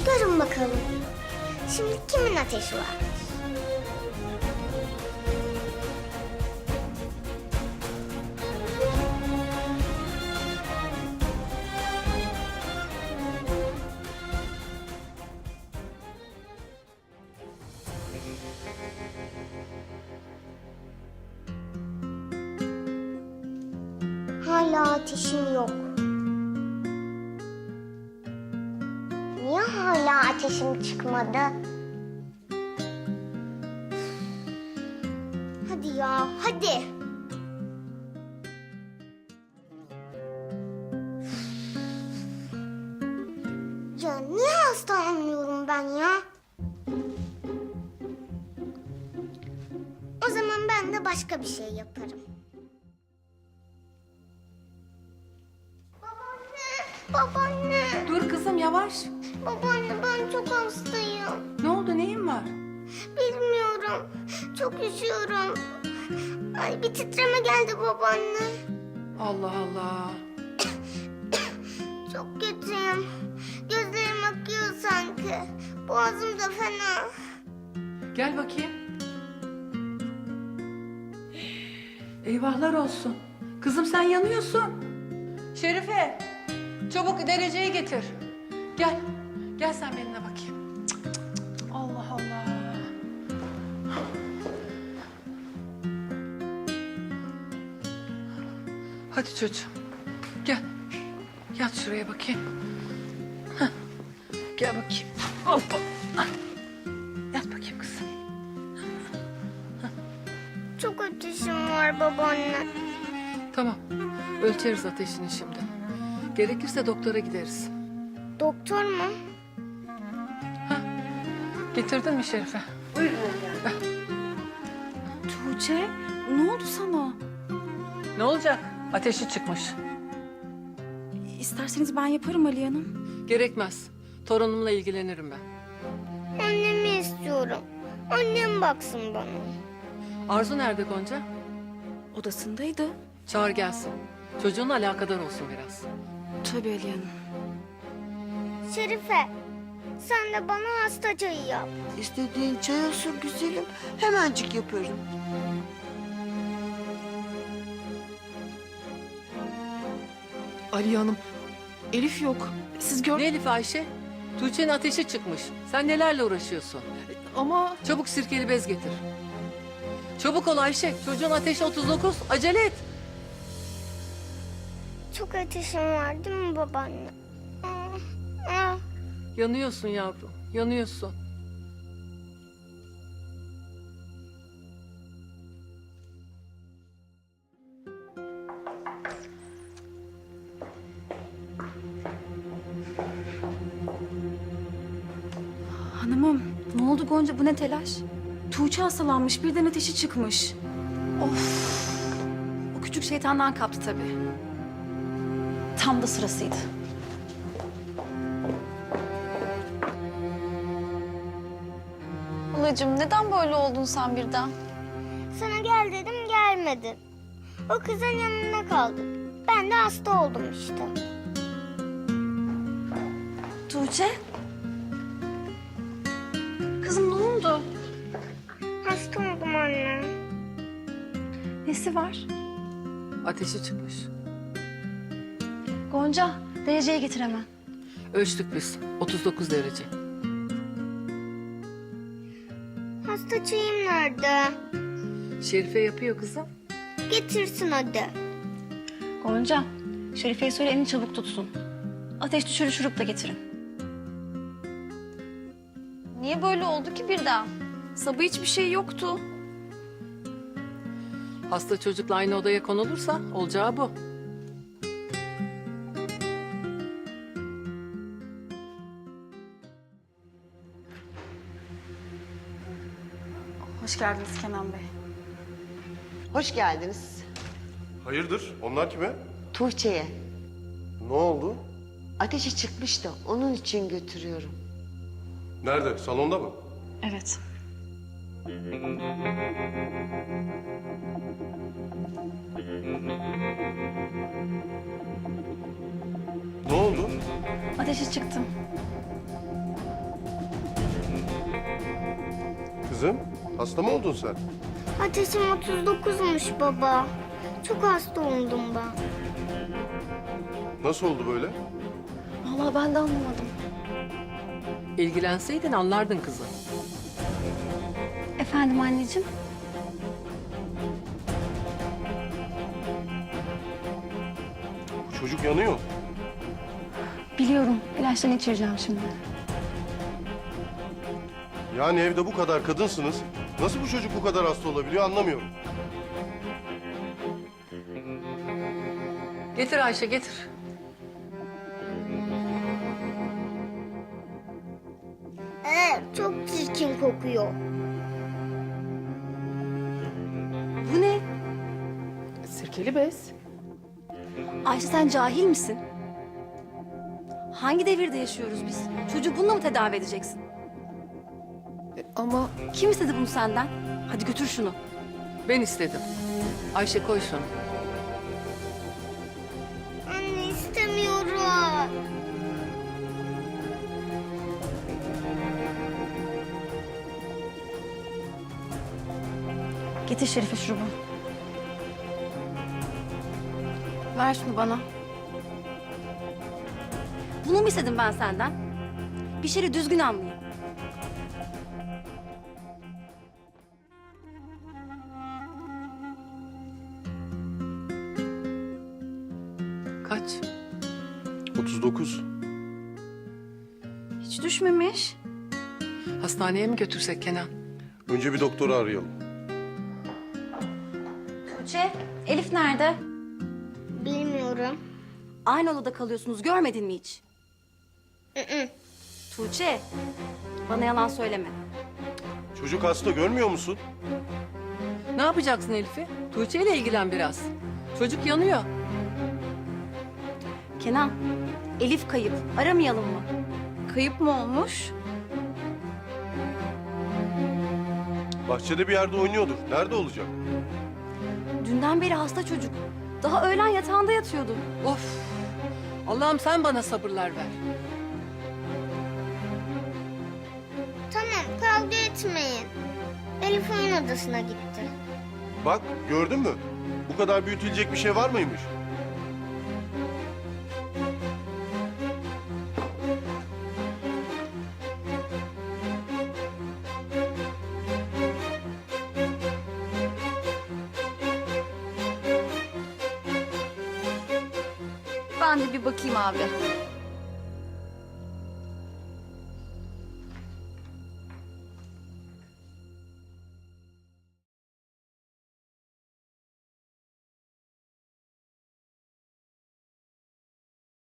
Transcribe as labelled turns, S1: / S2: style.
S1: Görün bakalım. Şimdi kimin ateşi var? Hala ateşim yok. Niye hala ateşim çıkmadı? Hadi ya, hadi. Ya niye hastalanmıyorum ben ya? O zaman ben de başka bir şey yaparım. Babaanne.
S2: Dur kızım yavaş.
S1: Babaanne ben çok hastayım.
S2: Ne oldu, neyin var?
S1: Bilmiyorum. Çok üşüyorum. Ay bir titreme geldi babaanne.
S2: Allah Allah.
S1: Çok kötüyüm. Gözlerim akıyor sanki. Boğazım da fena.
S2: Gel bakayım. Eyvahlar olsun. Kızım sen yanıyorsun. Şerife, çabuk dereceyi getir. Gel. Gel sen benimle bakayım. Cık, cık, cık. Allah Allah. Hadi çocuğum. Gel. Yat şuraya bakayım. Hah. Gel bakayım. Hoppa. Yat bakayım kızım.
S1: Çok ateşim var babaanne.
S2: Tamam. Ölçeriz ateşini şimdi. Gerekirse doktora gideriz.
S1: Doktor mu?
S2: Getirdin mi Şerife?
S3: Tuğçe, ne oldu sana?
S2: Ne olacak? Ateşi çıkmış.
S3: İsterseniz ben yaparım Aliye Hanım.
S2: Gerekmez. Torunumla ilgilenirim ben.
S1: Annemi istiyorum. Annem baksın bana.
S2: Arzu nerede Gonca?
S3: Odasındaydı.
S2: Çağır gelsin. Çocuğunla alakadar olsun biraz.
S3: Tabii Aliye Hanım.
S1: Şerife, sen de bana hasta çayı yap.
S4: İstediğin çay olsun güzelim. Hemencik yaparım.
S3: Aliye Hanım, Elif yok. Siz
S2: Ne Elif Ayşe? Tuğçe'nin ateşi çıkmış. Sen nelerle uğraşıyorsun?
S3: Ama...
S2: Çabuk sirkeli bez getir. Çabuk ol Ayşe. Çocuğun ateşi 39. Acele et.
S1: Çok ateşim var değil mi babaanne? Ah.
S2: Yanıyorsun yavrum. Yanıyorsun.
S3: Hanımım, ne oldu Gonca? Bu ne telaş? Tuğçe hastalanmış, birden ateşi çıkmış. Of! O küçük şeytandan kaptı tabii. Tam da sırasıydı.
S5: Halacığım neden böyle oldun sen birden?
S1: Sana gel dedim gelmedin. O kızın yanında kaldın. Ben de hasta oldum işte.
S3: Tuğçe? Kızım ne oldu?
S1: Hasta oldum anne.
S3: Nesi var?
S2: Ateşi çıkmış.
S3: Gonca, dereceye getir hemen.
S2: Ölçtük biz. 39 derece.
S1: Hasta çayım nerede?
S2: Şerife yapıyor kızım.
S1: Getirsin hadi.
S3: Gonca, Şerife'ye söyle elini çabuk tutsun. Ateş düşürü şurup da getirin.
S5: Niye böyle oldu ki birden?
S3: Sabah hiçbir şey yoktu.
S2: Hasta çocukla aynı odaya konulursa olacağı bu.
S3: Hoş geldiniz Kenan Bey.
S4: Hoş geldiniz.
S6: Hayırdır? Onlar kime?
S4: Tuğçe'ye.
S6: Ne oldu?
S4: Ateşi çıkmış da onun için götürüyorum.
S6: Nerede? Salonda mı?
S3: Evet.
S6: Ne oldu?
S3: Ateşi çıktı.
S6: Kızım, hasta mı oldun sen?
S1: Ateşim 39'muş baba. Çok hasta oldum ben.
S6: Nasıl oldu böyle?
S5: Vallahi ben de anlamadım.
S2: İlgilenseydin anlardın kızım.
S3: Efendim anneciğim?
S6: Bu çocuk yanıyor.
S3: Biliyorum. İlaçlarını içireceğim şimdi.
S6: Yani evde bu kadar kadınsınız. Nasıl bu çocuk bu kadar hasta olabiliyor anlamıyorum.
S2: Getir Ayşe getir.
S1: Çok çirkin kokuyor.
S3: Bu ne?
S2: Sirkeli bez.
S3: Ayşe sen cahil misin? Hangi devirde yaşıyoruz biz? Çocuğu bununla mı tedavi edeceksin?
S2: Ama
S3: Kim istedi bunu senden? Hadi götür şunu.
S2: ben istedim. Ayşe koy şunu.
S1: Anne istemiyorum.
S3: Getir Şerife şurubu. Ver şunu bana. Bunu mu istedim ben senden? Bir şeyi düzgün anlayayım.
S2: Kaç?
S6: 39.
S3: Hiç düşmemiş.
S2: Hastaneye mi götürsek Kenan?
S6: Önce bir doktoru arayalım.
S3: Tuğçe, Elif nerede?
S1: Bilmiyorum.
S3: Aynı odada kalıyorsunuz, görmedin mi hiç?
S1: Hı.
S3: Tuğçe, bana yalan söyleme.
S6: Çocuk hasta görmüyor musun?
S2: Ne yapacaksın Elif'i? Tuğçe ile ilgilen biraz. Çocuk yanıyor.
S3: Kenan, Elif kayıp. Aramayalım mı? Kayıp mı olmuş?
S6: Bahçede bir yerde oynuyordur. Nerede olacak?
S3: Dünden beri hasta çocuk. Daha öğlen yatağında yatıyordu.
S2: Of! Allah'ım sen bana sabırlar ver.
S1: Tamam kavga etmeyin. Elif oyun odasına gitti.
S6: Bak gördün mü? Bu kadar büyütülecek bir şey var mıymış?
S5: Ben de bir bakayım abi.